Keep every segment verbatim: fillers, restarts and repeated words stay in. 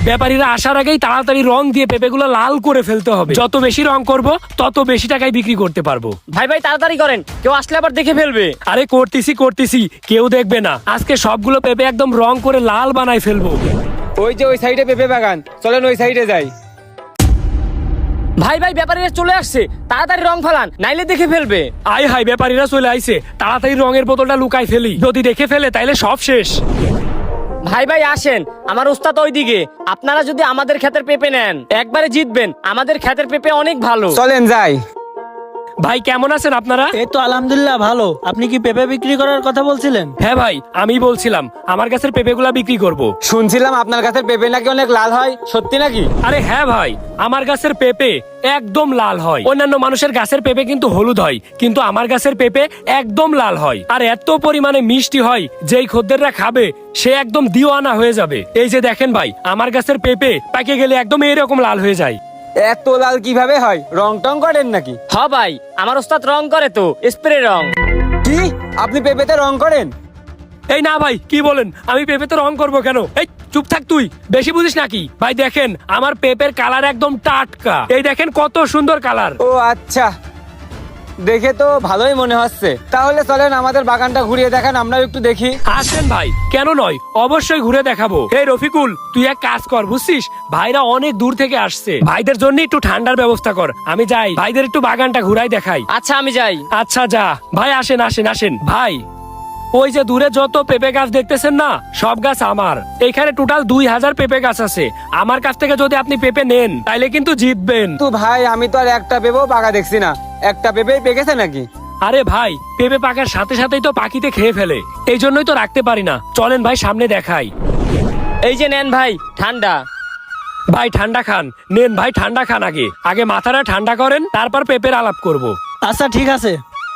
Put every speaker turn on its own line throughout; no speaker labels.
ব্যাপারীরা আসার আগেই তাড়াতাড়ি রং দিয়ে পেঁপেগুলো লাল করে ফেলতে হবে। যত বেশি রং করব তত বেশি টাকায় বিক্রি করতে পারবো।
ভাই ভাই তাড়াতাড়ি করেন, কেউ আসলে আবার দেখে ফেলবে।
আরে করতেছি করতেছি, কেউ দেখবে না। আজকে সবগুলো পেঁপে একদম রং করে লাল বানায় ফেলবো।
ওই যে ওই সাইডে পেঁপে বাগান, চলেন ওই সাইডে যাই।
ভাই ভাই ব্যাপারীরা চলে আসছে, তাড়াতাড়ি রং ফেলান, নাইলে দেখে ফেলবে।
আয় হাই, ব্যাপারীরা চলে আইছে, তাড়াতাড়ি রঙের বোতলটা লুকাই ফেলি। যদি দেখে ফেলে তাইলে সব শেষ।
ভাই ভাই আসেন, আমার উস্তাদ ওইদিকে। আপনারা যদি আমাদের ক্ষেতের পেঁপে নেন একবারে জিতবেন। আমাদের ক্ষেতের পেঁপে অনেক ভালো।
চলেন যাই।
ভাই কেমন আছেন আপনারা?
এই তো আলহামদুলিল্লাহ ভালো। আপনি কি পেঁপে বিক্রি করার কথা বলছিলেন?
হ্যাঁ ভাই, আমি বলছিলাম আমার গাছের পেঁপেগুলা বিক্রি করব।
শুনছিলাম আপনার গাছের পেঁপে নাকি অনেক লাল হয়, সত্যি নাকি?
আরে হ্যাঁ ভাই, আমার গাছের পেঁপে একদম লাল হয়। অন্যান্য মানুষের গাছের পেঁপে কিন্তু হলুদ হয়, কিন্তু আমার গাছের পেঁপে একদম লাল হয়। আর এত পরিমাণে মিষ্টি হয়, যেই খদ্দেররা খাবে সে একদম দিওয়ানা হয়ে যাবে। এই যে দেখেন ভাই, আমার গাছের পেঁপে পাকে গেলে একদম এরকম লাল হয়ে যায়।
এত লাল কিভাবে হয়? রং টং করেন নাকি?
হ ভাই, আমার উস্তাদ রং করে তো, স্প্রে রং।
কি আপনি পেঁপেতে রং করেন?
এই না ভাই, কি বলেন? আমি পেঁপেতে রং করব কেন? এই চুপ থাক, তুই বেশি বুঝিস নাকি? ভাই দেখেন, আমার পেঁপের কালার একদম টাটকা। এই দেখেন কত সুন্দর কালার।
ও আচ্ছা, দেখে তো ভালোই মনে হচ্ছে। তাহলে চলেন আমাদের বাগানটা ঘুরিয়ে দেখান, আমরাও একটু দেখি।
আসেন ভাই, কেন নয়, অবশ্যই ঘুরে দেখাবো। এই রফিকুল, তুই এক কাজ কর বুঝছিস, ভাইরা অনেক দূর থেকে আসছে, ভাইদের জন্য একটু ঠান্ডার ব্যবস্থা কর। আমি যাই, ভাইদের একটু বাগানটা ঘুরাই দেখাই।
আচ্ছা আমি যাই।
আচ্ছা যা ভাই, আসেন আসেন আসেন। ভাই ওই যে দূরে যত পেঁপে গাছ দেখতেছেন না, সব গাছ আমার। এখানে টোটাল দুই হাজার পেঁপে গাছ আছে। আমার কাছ থেকে যদি আপনি পেঁপে নেন তাইলে কিন্তু জিতবেন।
তো ভাই আমি তো আর একটা পেঁপেও পাকা দেখছি না, একটা পেঁপেই পেকেছে নাকি?
আরে ভাই, পেঁপে পাকার সাথে সাথেই তো পাখিতে খেয়ে ফেলে, এই জন্যই তো রাখতে পারি না। চলেন ভাই সামনে দেখাই।
এই যে নেন ভাই ঠান্ডা।
ভাই ঠান্ডা খান, নেন ভাই ঠান্ডা খান। আগে আগে মাথাটা ঠান্ডা করেন, তারপর পেঁপের আলাপ করব।
আচ্ছা ঠিক আছে।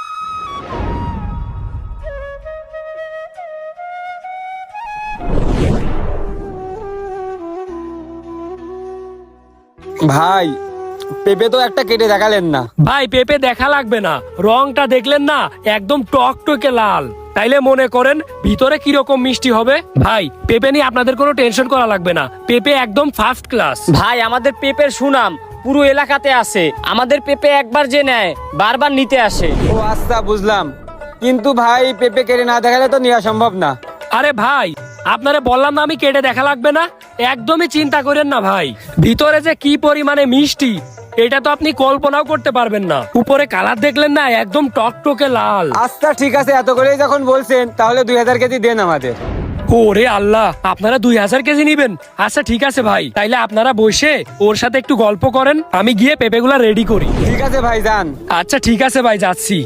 ভাই পেঁপে তো একটা কেটে দেখালেন না।
ভাই পেঁপে দেখা লাগবে না, রংটা দেখলেন না একদম টকটকে লাল, তাইলে মনে করেন ভিতরে কিরকম মিষ্টি হবে। ভাই পেঁপে নিয়ে আপনাদের কোনো টেনশন করা লাগবে না, পেঁপে একদম ফার্স্ট ক্লাস।
ভাই আমাদের পেঁপের সুনাম পুরো এলাকাতে আছে। আমাদের পেঁপে একবার যে নেয় বারবার নিতে আসে।
ও আচ্ছা বুঝলাম, কিন্তু ভাই পেঁপে কেটে না দেখালে তো নেওয়া সম্ভব না।
আরে ভাই, আপনারে বললাম না আমি কেটে দেখা লাগবে না, একদমই চিন্তা করেন না ভাই। ভিতরে যে কি পরিমাণে মিষ্টি এটা তো আপনি কল্পনাও করতে পারবেন না। উপরে কালার দেখলেন না, একদম টকটকে লাল।
আচ্ছা ঠিক আছে, এত করেই যখন বলছেন তাহলে দুই হাজার কেজি দেন আমাদের।
ওরে আল্লাহ, আপনারা দুই হাজার কেজি নিবেন? আচ্ছা ঠিক আছে ভাই, তাইলে আপনারা বসে ওর সাথে একটু গল্প করেন, আমি গিয়ে পেঁপেগুলা রেডি করি।
ঠিক আছে ভাই যান।
আচ্ছা ঠিক আছে ভাই, যাচ্ছি।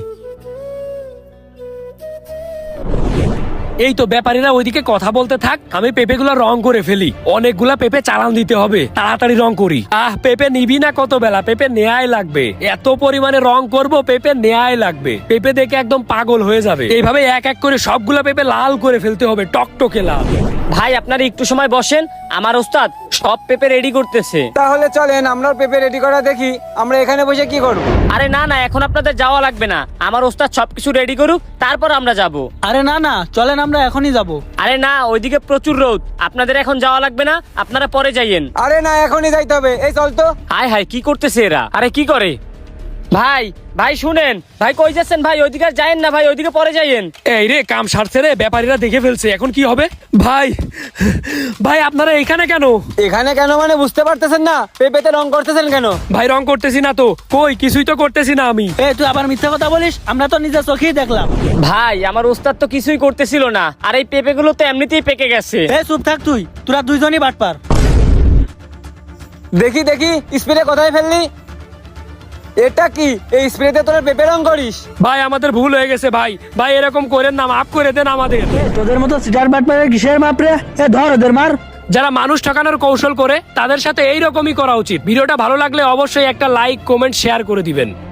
এই তো ব্যাপারীরা ওইদিকে কথা বলতে থাক, আমি পেঁপেগুলা রং করে ফেলি। অনেকগুলা পেঁপে চালান দিতে হবে, তাড়াতাড়ি রং করি। আহ পেঁপে নিবি না কত বেলা, পেঁপে নেয়াই লাগবে। এত পরিমাণে রং করব, পেঁপে নেয়াই লাগবে। পেঁপে দেখে একদম পাগল হয়ে যাবে। এইভাবে এক এক করে সবগুলা পেঁপে লাল করে ফেলতে হবে, টকটকে লাল।
ভাই আপনারা একটু সময় বসেন, আমার ওস্তাদ সব পেঁপে রেডি করতেছে।
তাহলে চলেন আমরাও পেঁপে রেডি করা দেখি। আমরা এখানে বসে কি করব?
আরে না না, এখন আপনাদের যাওয়া লাগবে না, আমার ওস্তাদ সবকিছু রেডি করুক তারপর আমরা যাব।
আরে না না, চলেন আমরা এখনই যাব।
আরে না, ওইদিকে প্রচুর রোদ, আপনাদের এখন যাওয়া লাগবে না, আপনারা পরে যাইয়েন।
আরে না, এখনই যাইতে হবে। এই চল তো।
হায় হায়, কি করতেছে এরা? আরে কি করে? ভাই ভাই শুনেন, ভাই কই যাচ্ছেন? ভাই ওইদিকে আর যায়েন না, ভাই ওইদিকে পরে যাইয়েন।
এই রে, কাম সারছে রে, ব্যাপারীরা দেখে ফেলছে, এখন কি হবে? ভাই ভাই আপনারা এখানে কেন?
এখানে কেন মানে বুঝতে পারতেছেন না? পেঁপেতে রং করতেছেন কেন?
ভাই রং করতেছি না তো, কই কিছুই তো করতেছি না আমি।
এ তুই আবার মিথ্যা কথা বলিস, আমরা তো নিজের চোখেই দেখলাম।
ভাই আমার ওস্তাদ তো কিছুই করতেছিল না, আর এই পেঁপে গুলো তো এমনিতেই পেকে গেছে।
এ চুপ থাক তুই, তোরা দুইজনই বাটপার।
দেখি দেখি স্প্রে কোথায় ফেললি? এটা কি? এই স্প্রেতে তোরা পেঁপে রং করিস?
ভাই আমাদের ভুল হয়ে গেছে ভাই, ভাই এরকম করেন না, মাফ করে দেন আমাদের।
তোদের মতো সিটার বাটপারের কিসের মাপ রে? এ ধর ওদের মার।
যারা মানুষ ঠকানোর কৌশল করে তাদের সাথে এইরকমই করা উচিত। ভিডিওটা ভালো লাগলে অবশ্যই একটা লাইক, কমেন্ট, শেয়ার করে দিবেন।